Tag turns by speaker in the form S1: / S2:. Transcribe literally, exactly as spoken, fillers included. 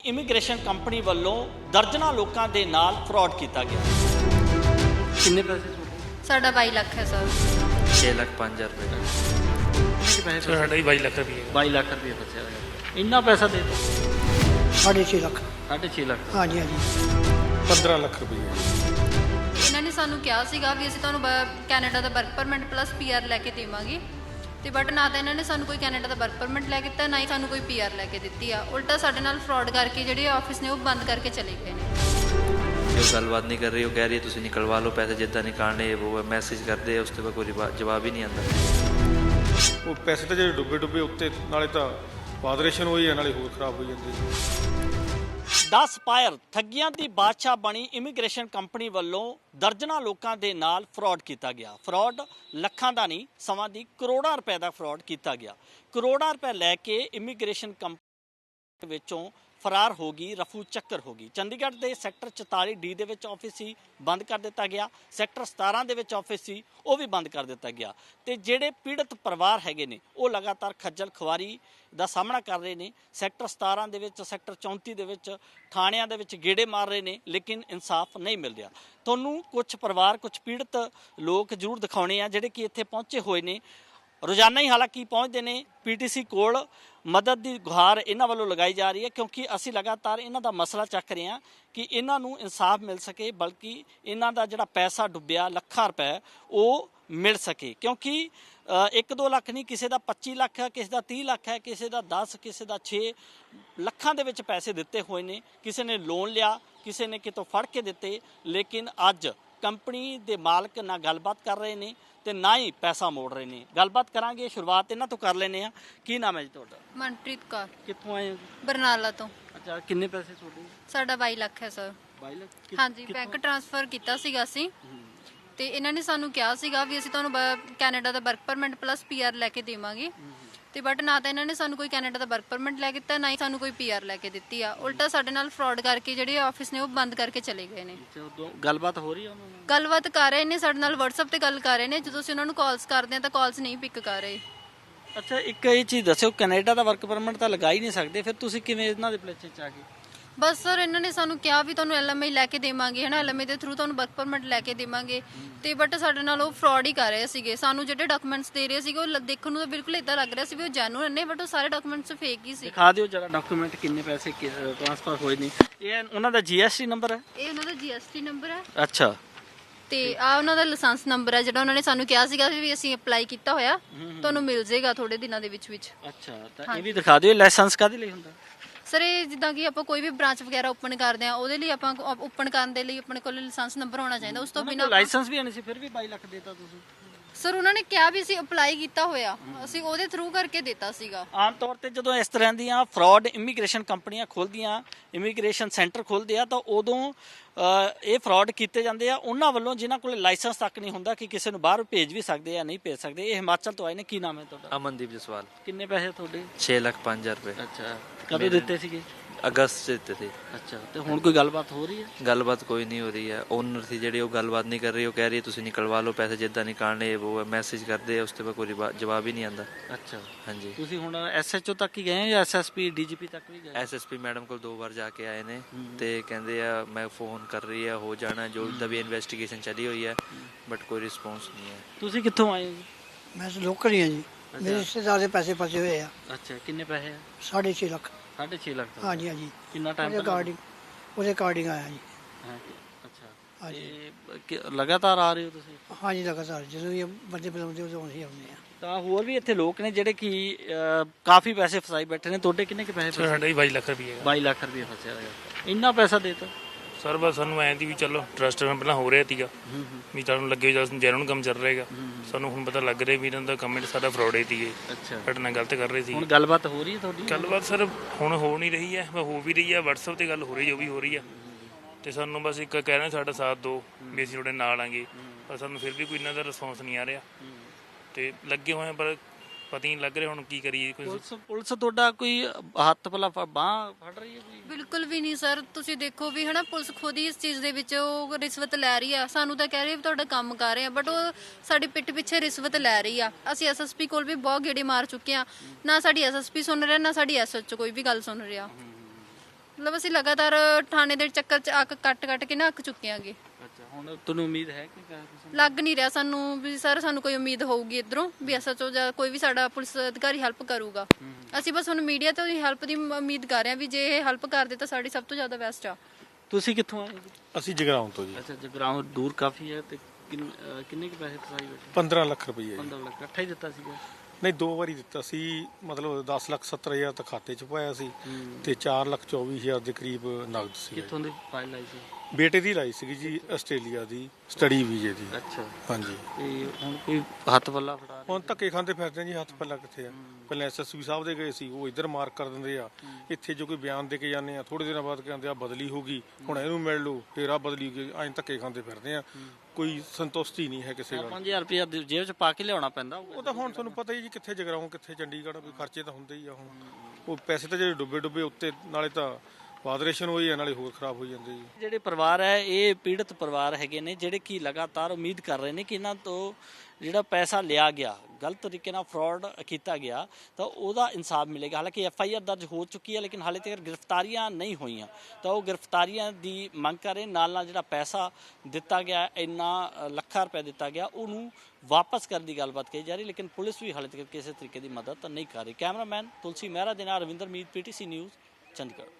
S1: Immigration company ਵੱਲੋਂ ਦਰਜਨਾਂ ਲੋਕਾਂ ਦੇ ਨਾਲ ਫਰਾਡ ਕੀਤਾ ਗਿਆ। ਕਿੰਨੇ ਪੈਸੇ
S2: ਸਾਡਾ ਬਾਈ ਲੱਖ ਹੈ ਸਰ।
S3: छः लाख पाँच हज़ार रुपये का
S1: ਕਿੰਨੇ ਪੈਸੇ
S4: ਸਾਡਾ ਹੀ ਬਾਈ ਲੱਖ ਰੁਪਏ
S1: ਬਾਈ ਲੱਖ ਰੁਪਏ ਫਸਿਆ ਹੋਇਆ। ਇੰਨਾ ਪੈਸਾ ਦੇ ਦਿੱਤਾ
S5: ਸਾਢੇ ਛੇ ਲੱਖ।
S1: ਸਾਢੇ ਛੇ ਲੱਖ
S5: ਹਾਂਜੀ ਹਾਂਜੀ
S4: ਪੰਦਰਾਂ ਲੱਖ ਰੁਪਏ
S2: ਇਹਨਾਂ ਨੇ ਸਾਨੂੰ ਕਿਹਾ ਸੀਗਾ ਵੀ ਅਸੀਂ ਤੁਹਾਨੂੰ ਬ- ਕੈਨੇਡਾ ਦਾ ਵਰਕ ਪਰਮਿਟ ਪਲੱਸ ਪੀਆਰ ਲੈ ਕੇ ਦੇਵਾਂਗੇ, ਤੇ ਬਟ ਨਾ ਤਾਂ ਇਹਨਾਂ ਨੇ ਸਾਨੂੰ ਕੋਈ ਕੈਨੇਡਾ ਦਾ ਵਰਕ ਪਰਮਿਟ ਲੈ ਕੇ ਦਿੱਤਾ, ਨਾ ਹੀ ਸਾਨੂੰ ਕੋਈ ਪੀਆਰ ਲੈ ਕੇ ਦਿੱਤੀ ਆ। ਉਲਟਾ ਸਾਡੇ ਨਾਲ ਫਰਾਡ ਕਰਕੇ ਜਿਹੜੇ ਆਫਿਸ ਨੇ ਉਹ ਬੰਦ ਕਰਕੇ ਚਲੇ ਗਏ ਨੇ।
S3: जो गलबात नहीं कर रही वो कह रही है तुम निकलवा लो पैसे जिद्दां निकालने वो मैसेज करते हैं उसके बाद कोई रिवा- जवाब ही नहीं आता।
S4: ਉਹ ਪੈਸੇ ਤਾਂ ਜਿਹੜੇ ਡੁੱਬੇ ਡੁੱਬੇ ਉੱਤੇ ਨਾਲੇ ਤਾਂ ਪਾਦਰੇਸ਼ਨ ਹੋਈ ਹੈ ਨਾਲੇ ਹੋਰ ਖਰਾਬ ਹੋਈ ਜਾਂਦੀ।
S1: ਦਸ ਪਾਇਰ ਠੱਗੀਆਂ ਦੀ ਬਾਦਸ਼ਾਹ ਬਣੀ ਇਮੀਗ੍ਰੇਸ਼ਨ ਕੰਪਨੀ ਵੱਲੋਂ ਦਰਜਨਾਂ ਲੋਕਾਂ ਦੇ ਨਾਲ ਫਰਾਡ ਕੀਤਾ ਗਿਆ। ਫਰਾਡ ਲੱਖਾਂ ਦਾ ਨਹੀਂ ਸਮਾਂ ਦੀ ਕਰੋੜਾਂ ਰੁਪਏ ਦਾ ਫਰਾਡ ਕੀਤਾ ਗਿਆ। ਕਰੋੜਾਂ ਰੁਪਏ ਲੈ ਕੇ ਇਮੀਗ੍ਰੇਸ਼ਨ ਕੰਪਨੀ ਵਿੱਚੋਂ ਫਰਾਰ ਹੋ ਗਈ, ਰਫੂ ਚੱਕਰ ਹੋ ਗਈ। ਚੰਡੀਗੜ੍ਹ ਦੇ ਸੈਕਟਰ ਚੁਤਾਲੀ ਡੀ ਦੇ ਵਿੱਚ ਆਫਿਸ ਸੀ, ਬੰਦ ਕਰ ਦਿੱਤਾ ਗਿਆ। ਸੈਕਟਰ ਸਤਾਰਾਂ ਦੇ ਵਿੱਚ ਆਫਿਸ ਸੀ, ਉਹ ਵੀ ਬੰਦ ਕਰ ਦਿੱਤਾ ਗਿਆ। ਤੇ ਜਿਹੜੇ ਪੀੜਤ ਪਰਿਵਾਰ ਹੈਗੇ ਨੇ ਉਹ ਲਗਾਤਾਰ ਖੱਜਲ ਖੁਆਰੀ ਦਾ ਸਾਹਮਣਾ ਕਰ ਰਹੇ ਨੇ। ਸੈਕਟਰ ਸਤਾਰਾਂ ਦੇ ਵਿੱਚ, ਸੈਕਟਰ ਚੌਂਤੀ ਦੇ ਵਿੱਚ ਥਾਣਿਆਂ ਦੇ ਵਿੱਚ ਗੇੜੇ ਮਾਰ ਰਹੇ ਨੇ, ਲੇਕਿਨ ਇਨਸਾਫ ਨਹੀਂ ਮਿਲ ਰਿਹਾ। ਤੁਹਾਨੂੰ ਕੁਝ ਪਰਿਵਾਰ, ਕੁਝ ਪੀੜਤ ਲੋਕ ਜ਼ਰੂਰ ਦਿਖਾਉਣੇ ਆ ਜਿਹੜੇ ਕਿ ਇੱਥੇ ਪਹੁੰਚੇ ਹੋਏ ਨੇ। ਰੋਜ਼ਾਨਾ ਹੀ ਹਾਲਾਂਕਿ ਪਹੁੰਚਦੇ ਨੇ ਪੀਟੀਸੀ ਕੋਲ। ਮਦਦ ਦੀ ਗੁਹਾਰ ਇਹਨਾਂ ਵੱਲੋਂ ਲਗਾਈ ਜਾ ਰਹੀ ਹੈ, ਕਿਉਂਕਿ ਅਸੀਂ ਲਗਾਤਾਰ ਇਹਨਾਂ ਦਾ ਮਸਲਾ ਚੱਕ ਰਹੇ ਹਾਂ ਕਿ ਇਹਨਾਂ ਨੂੰ ਇਨਸਾਫ ਮਿਲ ਸਕੇ, ਬਲਕਿ ਇਹਨਾਂ ਦਾ ਜਿਹੜਾ ਪੈਸਾ ਡੁੱਬਿਆ ਲੱਖਾਂ ਰੁਪਏ ਉਹ ਮਿਲ ਸਕੇ। ਕਿਉਂਕਿ ਇੱਕ ਦੋ ਲੱਖ ਨਹੀਂ, ਕਿਸੇ ਦਾ ਪੱਚੀ ਲੱਖ ਹੈ, ਕਿਸੇ ਦਾ ਤੀਹ ਲੱਖ ਹੈ, ਕਿਸੇ ਦਾ ਦਸ, ਕਿਸੇ ਦਾ ਛੇ ਲੱਖਾਂ ਦੇ ਵਿੱਚ ਪੈਸੇ ਦਿੱਤੇ ਹੋਏ ਨੇ। ਕਿਸੇ ਨੇ ਲੋਨ ਲਿਆ, ਕਿਸੇ ਨੇ ਕਿਤੋਂ ਫੜ ਕੇ ਦਿੱਤੇ, ਲੇਕਿਨ ਅੱਜ ਕੰਪਨੀ ਦੇ ਮਾਲਕ ਨਾਲ ਗੱਲਬਾਤ ਕਰ ਰਹੇ ਨੇ ਤੇ ਨਾ ਹੀ ਪੈਸਾ ਮੋੜ ਰਹੇ ਨੇ। ਗੱਲਬਾਤ ਕਰਾਂਗੇ, ਸ਼ੁਰੂਆਤ ਇਹਨਾਂ ਤੋਂ ਕਰ ਲੈਂਦੇ ਆ। ਕੀ ਨਾਮ ਹੈ ਜੀ ਤੁਹਾਡਾ?
S2: ਮਨਪ੍ਰੀਤ ਕੌਰ,
S1: ਕਿੱਥੋਂ ਆਏ ਹੋ?
S2: ਬਰਨਾਲਾ ਤੋਂ।
S1: ਅੱਛਾ, ਕਿੰਨੇ ਪੈਸੇ ਤੁਹਾਡੇ?
S2: ਸਾਡਾ ਬਾਈ ਲੱਖ ਹੈ ਸਰ।
S1: ਬਾਈ ਲੱਖ?
S2: ਹਾਂਜੀ, ਬੈਂਕ ਟ੍ਰਾਂਸਫਰ ਕੀਤਾ ਸੀਗਾ ਅਸੀਂ, ਤੇ ਇਹਨਾਂ ਨੇ ਸਾਨੂੰ ਕਿਹਾ ਸੀਗਾ ਵੀ ਅਸੀਂ ਤੁਹਾਨੂੰ ਬ- ਕੈਨੇਡਾ ਦਾ ਵਰਕ ਪਰਮਿਟ ਪਲੱਸ ਪੀਆਰ ਲੈ ਕੇ ਦੇਵਾਂਗੇ, ਤੇ ਬਟ ਨਾ ਤਾਂ ਇਹਨਾਂ ਨੇ ਸਾਨੂੰ ਕੋਈ ਕੈਨੇਡਾ ਦਾ ਵਰਕ ਪਰਮਿਟ ਲੈ ਕੇ ਦਿੱਤਾ, ਨਾ ਹੀ ਸਾਨੂੰ ਕੋਈ ਪੀਆਰ ਲੈ ਕੇ ਦਿੱਤੀ ਆ। ਉਲਟਾ ਸਾਡੇ ਨਾਲ ਫਰਾਡ ਕਰਕੇ ਜਿਹੜੇ ਆਫਿਸ ਨੇ ਉਹ ਬੰਦ ਕਰਕੇ ਚਲੇ ਗਏ ਨੇ।
S1: ਗੱਲਬਾਤ ਹੋ ਰਹੀ ਹੈ ਉਹਨਾਂ ਨਾਲ?
S2: ਗੱਲਬਾਤ ਕਰ ਰਹੇ ਨੇ ਸਾਡੇ ਨਾਲ, WhatsApp ਤੇ ਗੱਲ ਕਰ ਰਹੇ ਨੇ। ਜਦੋਂ ਅਸੀਂ ਉਹਨਾਂ ਨੂੰ ਕਾਲਸ ਕਰਦੇ ਆ ਤਾਂ ਕਾਲਸ ਨਹੀਂ ਪਿਕ ਕਰ ਰਹੇ।
S1: ਅੱਛਾ, ਇੱਕ ਇਹ ਚੀਜ਼ ਦੱਸਿਓ, ਕੈਨੇਡਾ ਦਾ ਵਰਕ ਪਰਮਿਟ ਤਾਂ ਲਗਾ ਹੀ ਨਹੀਂ ਸਕਦੇ, ਫਿਰ ਤੁਸੀਂ ਕਿਵੇਂ ਇਹਨਾਂ ਦੇ ਪਲੇਚੇ ਚ ਆ ਗਏ?
S2: ਬਸ ਸਰ, ਇਹਨਾਂ ਨੇ ਸਾਨੂੰ ਕਿਹਾ ਵੀ ਤੁਹਾਨੂੰ ਐਲਐਮਆਈ ਲੈ ਕੇ ਦੇਵਾਂਗੇ, ਹੈ ਨਾ, ਐਲਐਮਆਈ ਦੇ ਥਰੂ ਤੁਹਾਨੂੰ ਵਰਕ ਪਰਮਿਟ ਲੈ ਕੇ ਦੇਵਾਂਗੇ, ਤੇ ਬਟ ਸਾਡੇ ਨਾਲ ਉਹ ਫਰਾਡ ਹੀ ਕਰ ਰਹੇ ਸੀਗੇ। ਸਾਨੂੰ ਜਿਹੜੇ ਡਾਕੂਮੈਂਟਸ ਦੇ ਰਹੇ ਸੀਗੇ ਉਹ ਲ- ਦੇਖਣ ਨੂੰ ਤਾਂ ਬਿਲਕੁਲ ਇਦਾਂ ਲੱਗ ਰਿਹਾ ਸੀ ਵੀ ਉਹ ਜੈਨੂਇਨ ਨੇ, ਬਟ ਉਹ ਸਾਰੇ ਡਾਕੂਮੈਂਟਸ ਫੇਕ ਹੀ ਸੀ।
S1: ਦਿਖਾ ਦਿਓ ਜਰਾ ਡਾਕੂਮੈਂਟ, ਕਿੰਨੇ ਪੈਸੇ ਟ੍ਰਾਂਸਫਰ ਹੋਏ ਨੇ। ਇਹ ਉਹਨਾਂ ਦਾ ਜੀਐਸਟੀ ਨੰਬਰ ਹੈ?
S2: ਇਹ ਉਹਨਾਂ ਦਾ ਜੀਐਸਟੀ ਨੰਬਰ ਹੈ,
S1: ਅੱਛਾ,
S2: ਤੇ ਆ ਉਹਨਾਂ ਦਾ ਲਾਇਸੈਂਸ ਨੰਬਰ ਹੈ ਜਿਹੜਾ ਉਹਨਾਂ ਨੇ ਸਾਨੂੰ ਕਿਹਾ ਸੀਗਾ ਵੀ ਅਸੀਂ ਅਪਲਾਈ ਕੀਤਾ ਹੋਇਆ, ਤੁਹਾਨੂੰ ਮਿਲ ਜਾਏਗਾ ਥੋੜੇ ਦਿਨਾਂ ਦੇ ਵਿੱਚ ਵਿੱਚ।
S1: ਅੱਛਾ, ਤਾਂ ਇਹ ਵੀ ਦਿਖਾ ਦਿਓ। ਲਾਇਸੈਂਸ ਕਾਹਦੇ ਲਈ ਹੁੰਦਾ?
S2: ਸਰ, ਇਹ ਜਿੱਦਾਂ ਕਿ ਆਪਾਂ ਕੋਈ ਵੀ ਬ੍ਰਾਂਚ ਵਗੈਰਾ ਓਪਨ ਕਰਦੇ ਆ, ਉਹਦੇ ਲਈ ਆਪਾਂ ਓਪਨ ਕਰਨ ਦੇ ਲਈ ਆਪਣੇ ਕੋਲ ਲਾਇਸੈਂਸ ਨੰਬਰ ਹੋਣਾ ਚਾਹੀਦਾ। ਉਸ ਤੋਂ ਬਿਨਾਂ
S1: ਲਾਇਸੈਂਸ ਵੀ ਨਹੀਂ ਸੀ, ਫਿਰ ਵੀ ਬਾਈ ਲੱਖ ਦੇਤਾ ਤੁਸੀਂ?
S2: ਸਰ, ਉਹਨਾਂ ਨੇ ਕਿਹਾ ਵੀ ਅਸੀਂ ਅਪਲਾਈ ਕੀਤਾ ਹੋਇਆ, ਅਸੀਂ ਉਹਦੇ ਥਰੂ ਕਰਕੇ ਦਿੱਤਾ ਸੀਗਾ।
S1: ਆਮ ਤੌਰ ਤੇ ਜਦੋਂ ਇਸ ਤਰ੍ਹਾਂ ਦੀਆਂ ਫਰਾਡ ਇਮੀਗ੍ਰੇਸ਼ਨ ਕੰਪਨੀਆਂ ਖੋਲ੍ਹਦੀਆਂ, ਇਮੀਗ੍ਰੇਸ਼ਨ ਸੈਂਟਰ ਖੋਲ੍ਹਦੇ ਆ, ਤਾਂ ਉਦੋਂ ਇਹ ਫਰਾਡ ਕੀਤੇ ਜਾਂਦੇ ਆ ਉਹਨਾਂ ਵੱਲੋਂ ਜਿਨ੍ਹਾਂ ਕੋਲ ਲਾਇਸੈਂਸ ਤੱਕ ਨਹੀਂ ਹੁੰਦਾ ਕਿ ਕਿਸੇ ਨੂੰ ਬਾਹਰ ਭੇਜ ਵੀ ਸਕਦੇ ਆ, ਨਹੀਂ ਭੇਜ ਸਕਦੇ। ਇਹ ਹਿਮਾਚਲ ਤੋਂ ਆਏ ਨੇ। ਕੀ ਨਾਮ ਹੈ ਤੁਹਾਡਾ?
S3: अमनदीप जसवाल।
S1: ਕਿੰਨੇ ਪੈਸੇ ਤੁਹਾਡੇ?
S3: छः लाख पाँच हज़ार रुपये
S1: ਅੱਛਾ, ਕਦੋਂ ਦਿੱਤੇ ਸੀਗੇ?
S3: अगस्त से देते थे।
S1: ਅੱਛਾ, ਤੇ ਹੁਣ ਕੋਈ ਗੱਲਬਾਤ ਹੋ ਰਹੀ ਹੈ?
S3: गलबात कोई नहीं हो रही है। ओनर थी जी वो गलबात नहीं कर रही वो कह रही है तुम निकलवा लो पैसे जिद्दां निकालने वो मैसेज करते हैं उसके बाद कोई रिवा- जवाब ही नहीं आता।
S1: ਅੱਛਾ,
S3: हाँ जी,
S1: ਤੁਸੀਂ ਹੁਣ ਐਸਐਚਓ ਤੱਕ ਹੀ ਗਏ ਜਾਂ ਐਸਐਸਪੀ ਡੀਜੀਪੀ ਤੱਕ ਵੀ ਗਏ?
S3: एस एस पी मैडम को दो बार जाके आए ने ते कहते आ मैं फ़ोन कर रही है हो जाना जो दा भी इन्वेस्टिगेशन चली हुई है बट कोई रिस्पॉन्स नहीं है।
S1: ਤੁਸੀਂ ਕਿੱਥੋਂ ਆਏ ਹੋ ਜੀ?
S5: ਮੈਂ ਤਾਂ ਲੋਕਲ ਹੀ ਹਾਂ ਜੀ। ਮੇਰੇ ਰਿਸ਼ਤੇਦਾਰ ਦੇ ਪੈਸੇ ਫਸੇ ਹੋਏ ਆ।
S1: ਅੱਛਾ, ਕਿੰਨੇ ਪੈਸੇ?
S5: ਸਾਢੇ ਛੇ ਲੱਖ।
S1: ਸਾਢੇ ਛੇ ਲੱਖ ਦਾ?
S5: ਹਾਂਜੀ ਹਾਂਜੀ
S1: ਕਿੰਨਾ ਟਾਈਮ
S5: ਉਹਦੇ ਅਕਾਰਡਿੰਗ ਉਹਦੇ ਅਕਾਰਡਿੰਗ ਆਇਆ ਜੀ।
S1: ਅੱਛਾ,
S5: ਹਾਂਜੀ
S1: ਤੇ ਕਿ- ਲਗਾਤਾਰ ਆ ਰਹੇ ਹੋ ਤੁਸੀਂ?
S5: ਹਾਂਜੀ ਲਗਾਤਾਰ ਜਦੋਂ ਵੀ ਬੰਦੇ ਬੁਲਾਉਂਦੇ ਉਦੋਂ ਅਸੀਂ ਆਉਂਦੇ ਆ।
S1: ਤਾਂ ਹੋਰ ਵੀ ਇੱਥੇ ਲੋਕ ਨੇ ਜਿਹੜੇ ਕਿ ਅਹ, ਕਾਫੀ ਪੈਸੇ ਫਸਾਈ ਬੈਠੇ ਨੇ। ਤੁਹਾਡੇ ਕਿੰਨੇ ਕੁ ਪੈਸੇ ਫਸੇ?
S4: ਸਾਡਾ ਹੀ ਬਾਈ ਲੱਖ ਰੁਪਏ
S1: ਬਾਈ ਲੱਖ ਰੁਪਏ ਫਸਿਆ ਹੋਇਆ। ਇੰਨਾ ਪੈਸਾ ਦੇਤਾ?
S4: ਸਰ ਬਸ ਸਾਨੂੰ ਐਂ ਦੀ ਵੀ ਚਲੋ ਟਰਸਟ ਨਾਲ ਪਹਿਲਾਂ ਹੋ ਰਿਹਾ ਸੀਗਾ ਵੀ ਤੁਹਾਨੂੰ ਲੱਗੇ ਜਦੋਂ ਜੈਨੂਨ ਕੰਮ ਚੱਲ ਰਿਹਾਗਾ, ਸਾਨੂੰ ਹੁਣ ਪਤਾ ਲੱਗ ਰਿਹਾ ਵੀ ਇਹਨਾਂ ਦਾ ਕਮੈਂਟ ਸਾਡਾ ਫਰਾਡ ਹੀ ਸੀਗੇ,
S1: ਅੱਛਾ,
S4: ਸਾਡੇ ਨਾਲ ਗਲਤ ਕਰ ਰਹੇ ਸੀ।
S1: ਹੁਣ ਗੱਲਬਾਤ ਹੋ ਰਹੀ ਹੈ ਤੁਹਾਡੀ?
S4: ਗੱਲਬਾਤ ਸਰ ਹੁਣ ਹੋ ਨਹੀਂ ਰਹੀ ਹੈ, ਮੈਂ ਹੋ ਵੀ ਰਹੀ ਹੈ, WhatsApp ਤੇ ਗੱਲ ਹੋ ਰਹੀ ਜੋ ਵੀ ਹੋ ਰਹੀ ਹੈ, ਤੇ ਸਾਨੂੰ ਬਸ ਇੱਕ ਕਹਿ ਰਹੇ ਸਾਡਾ ਸਾਥ ਦਿਓ ਵੀ ਅਸੀਂ ਤੁਹਾਡੇ ਨਾਲ ਆਂਗੇ, ਪਰ ਸਾਨੂੰ ਫਿਰ ਵੀ ਕੋਈ ਇਹਨਾਂ ਦਾ ਰਿਸਪੌਂਸ ਨਹੀਂ ਆ ਰਿਹਾ ਤੇ ਲੱਗੇ ਹੋਏ ਪਰ ਪਤਾ ਹੀ ਨਹੀਂ ਲੱਗ ਰਿਹਾ ਹੁਣ ਕੀ ਕਰੀਏ। ਕੋਈ
S1: ਪੁਲਿਸ ਪੁਲਿਸ ਤੁਹਾਡਾ ਕੋਈ ਹੱਥ ਪਲਾ ਬਾਹ ਫੜ ਰਹੀ ਹੈ ਕੋਈ?
S2: ਬਿਲਕੁਲ ਵੀ ਨਹੀਂ ਸਰ, ਤੁਸੀਂ ਦੇਖੋ ਵੀ ਹਨਾ, ਪੁਲਿਸ ਖੁਦ ਹੀ ਇਸ ਚੀਜ਼ ਦੇ ਵਿੱਚ ਉਹ ਰਿਸ਼ਵਤ ਲੈ ਰਹੀ ਆ। ਸਾਨੂੰ ਤਾਂ ਕਹਿ ਰਹੀ ਵੀ ਤੁਹਾਡਾ ਕੰਮ ਕਰ ਰਹੇ ਆ, ਬਟ ਉਹ ਸਾਡੀ ਪਿੱਠ ਪਿੱਛੇ ਰਿਸ਼ਵਤ ਲੈ ਰਹੀ ਆ। ਅਸੀਂ ਐਸਐਸਪੀ ਕੋਲ ਵੀ ਬਹੁਤ ਗੇੜੇ ਮਾਰ ਚੁੱਕੇ ਆ, ਨਾ ਸਾਡੀ ਐਸਐਸਪੀ ਸੁਣ ਰਿਹਾ, ਨਾ ਸਾਡੀ ਐਸਐਚਓ ਕੋਈ ਵੀ ਗੱਲ ਸੁਣ ਰਿਹਾ। ਮਤਲਬ ਅਸੀਂ ਲਗਾਤਾਰ ਥਾਣੇ ਦੇ ਚੱਕਰ 'ਚ ਅੱਕ ਕੱਟ ਕੱਟ ਕੇ ਨਾ ਅੱਕ ਚੁੱਕੇ ਆਂਗੇ।
S1: ਅੱਛਾ, ਹੁਣ ਤੁਹਾਨੂੰ ਉਮੀਦ ਹੈ ਕਿ ਕਿਆ ਕਿਸੇ
S2: ਲੱਗ ਨਹੀਂ ਰਿਹਾ ਸਾਨੂੰ ਵੀ ਸਰ ਸਾਨੂੰ ਕੋਈ ਉਮੀਦ ਹੋਊਗੀ ਇੱਧਰੋਂ ਵੀ ਐਸਐਚਓ ਜਾਂ ਕੋਈ ਵੀ ਸਾਡਾ ਪੁਲਿਸ ਅਧਿਕਾਰੀ ਹੈਲਪ ਕਰੂਗਾ। ਅਸੀਂ ਬਸ ਹੁਣ ਮੀਡੀਆ ਤੋਂ ਹੀ ਹੈਲਪ ਦੀ ਉਮੀਦ ਕਰ ਰਹੇ ਹਾਂ ਵੀ ਜੇ ਇਹ ਹੈਲਪ ਕਰਦੇ ਤਾਂ ਸਾਡੀ ਸਭ ਤੋਂ ਜ਼ਿਆਦਾ ਬੈਸਟ ਆ।
S1: ਤੁਸੀਂ ਕਿੱਥੋਂ ਆਏ ਜੀ?
S6: ਅਸੀਂ ਜਗਰਾਉਂ ਤੋਂ ਜੀ।
S1: ਅੱਛਾ, ਜਗਰਾਉਂ ਦੂਰ ਕਾਫੀ ਹੈ ਤੇ ਕਿੰਨ- ਅਹ ਕਿੰਨੇ ਕੁ ਪੈਸੇ ਫਸਾਈ ਬੈਠੇ?
S6: ਪੰਦਰਾਂ ਲੱਖ ਰੁਪਏ ਜੀ।
S1: ਪੰਦਰਾਂ ਲੱਖ ਇਕੱਠਾ ਹੀ ਦਿੱਤਾ ਸੀਗਾ?
S6: ਨਹੀਂ, ਦੋ ਵਾਰੀ ਦਿੱਤਾ ਸੀ, ਮਤਲਬ ਦਸ ਲੱਖ ਸੱਤਰ ਹਜ਼ਾਰ ਤਾਂ ਖਾਤੇ 'ਚ ਪਾਇਆ ਸੀ ਤੇ ਚਾਰ ਲੱਖ ਚੌਵੀ ਹਜ਼ਾਰ ਦੇ ਕਰੀਬ ਨਗਦ ਸੀ।
S1: ਕਿੱਥੋਂ ਦੀ ਫਾਈਲ ਆਈ ਸੀ?
S6: ਬੇਟੇ ਦੀ ਲਾਈ ਸੀਗੀ ਜੀ, ਆਸਟ੍ਰੇਲੀਆ ਦੀ ਸਟੱਡੀ ਵੀਜ਼ੇ ਦੀ।
S1: ਅੱਛਾ,
S6: ਹਾਂਜੀ।
S1: ਤੇ ਹੁਣ ਕੋਈ ਹੱਥ ਪੱਲਾ ਫੜਾ ਰਿਹਾ?
S6: ਹੁਣ ਧੱਕੇ ਖਾਂਦੇ ਫਿਰਦੇ ਜੀ, ਹੱਥ ਪੱਲਾ ਕਿੱਥੇ ਆ। ਪਹਿਲਾਂ ਐਸਐਸਪੀ ਸਾਹਿਬ ਦੇ ਗਏ ਸੀ, ਉਹ ਇੱਧਰ ਮਾਰਕ ਕਰ ਦਿੰਦੇ ਆ। ਇੱਥੇ ਜੋ ਕੋਈ ਬਿਆਨ ਦੇ ਕੇ ਜਾਂਦੇ ਆ, ਥੋੜੇ ਦਿਨਾਂ ਬਾਅਦ ਕਹਿੰਦੇ ਆ ਬਦਲੀ ਹੋ ਗਈ, ਹੁਣ ਇਹਨੂੰ ਮਿਲ ਲਓ, ਫੇਰ ਆ ਬਦਲੀ ਹੋ ਗਈ। ਐਂ ਧੱਕੇ ਖਾਂਦੇ ਫਿਰਦੇ ਆ, ਕੋਈ ਸੰਤੁਸ਼ਟੀ ਨਹੀਂ ਹੈ ਕਿਸੇ ਗੱਲ।
S1: ਪੰਜ ਹਜ਼ਾਰ ਰੁਪਇਆ ਜੇਬ 'ਚ ਪਾ ਕੇ ਲਿਆਉਣਾ ਪੈਂਦਾ ਹੋਊਗਾ।
S6: ਉਹ ਤਾਂ ਹੁਣ ਤੁਹਾਨੂੰ ਪਤਾ ਹੀ ਜੀ, ਕਿੱਥੇ ਜਗਰਾਉਂ ਕਿੱਥੇ ਚੰਡੀਗੜ੍ਹ, ਵੀ ਖਰਚੇ ਤਾਂ ਹੁੰਦੇ ਹੀ ਆ। ਹੁਣ ਉਹ ਪੈਸੇ ਤਾਂ ਜਿਹੜੇ ਡੁੱਬੇ ਡੁੱਬੇ ਉੱਤੇ, ਨਾਲੇ ਤਾਂ ਵਾਦਰੇਸ਼ਨ ਹੋਈ ਆ, ਨਾਲੇ ਹੋਰ ਖਰਾਬ ਹੋਈ ਜਾਂਦੇ ਜੀ।
S1: ਜਿਹੜੇ ਪਰਿਵਾਰ ਹੈ ਇਹ ਪੀੜਤ ਪਰਿਵਾਰ ਹੈਗੇ ਨੇ, ਜਿਹੜੇ ਕਿ ਲਗਾਤਾਰ ਉਮੀਦ ਕਰ ਰਹੇ ਨੇ ਕਿ ਇਹਨਾਂ ਤੋਂ ਜਿਹੜਾ ਪੈਸਾ ਲਿਆ ਗਿਆ, ਗਲਤ ਤਰੀਕੇ ਨਾਲ ਫਰਾਡ ਕੀਤਾ ਗਿਆ, ਤਾਂ ਉਹਦਾ ਇਨਸਾਫ ਮਿਲੇਗਾ। ਹਾਲਾਂਕਿ ਐਫ ਆਈ ਆਰ ਦਰਜ ਹੋ ਚੁੱਕੀ ਹੈ, ਲੇਕਿਨ ਹਾਲੇ ਤੱਕ ਗ੍ਰਿਫਤਾਰੀਆਂ ਨਹੀਂ ਹੋਈਆਂ, ਤਾਂ ਉਹ ਗ੍ਰਿਫਤਾਰੀਆਂ ਦੀ ਮੰਗ ਕਰ ਰਹੇ। ਨਾਲ ਨਾਲ ਜਿਹੜਾ ਪੈਸਾ ਦਿੱਤਾ ਗਿਆ, ਇੰਨਾ ਲੱਖਾਂ ਰੁਪਏ ਦਿੱਤਾ ਗਿਆ, ਉਹਨੂੰ ਵਾਪਸ ਕਰਨ ਦੀ ਗੱਲਬਾਤ ਕਹੀ ਜਾ ਰਹੀ, ਲੇਕਿਨ ਪੁਲਿਸ ਵੀ ਹਾਲੇ ਤੱਕ ਕਿਸੇ ਤਰੀਕੇ ਦੀ ਮਦਦ ਨਹੀਂ ਕਰ ਰਹੀ। ਕੈਮਰਾਮੈਨ ਤੁਲਸੀ ਮਹਿਰਾ ਦੇ ਨਾਲ Ravinder Meet, P T C news, Chandigarh.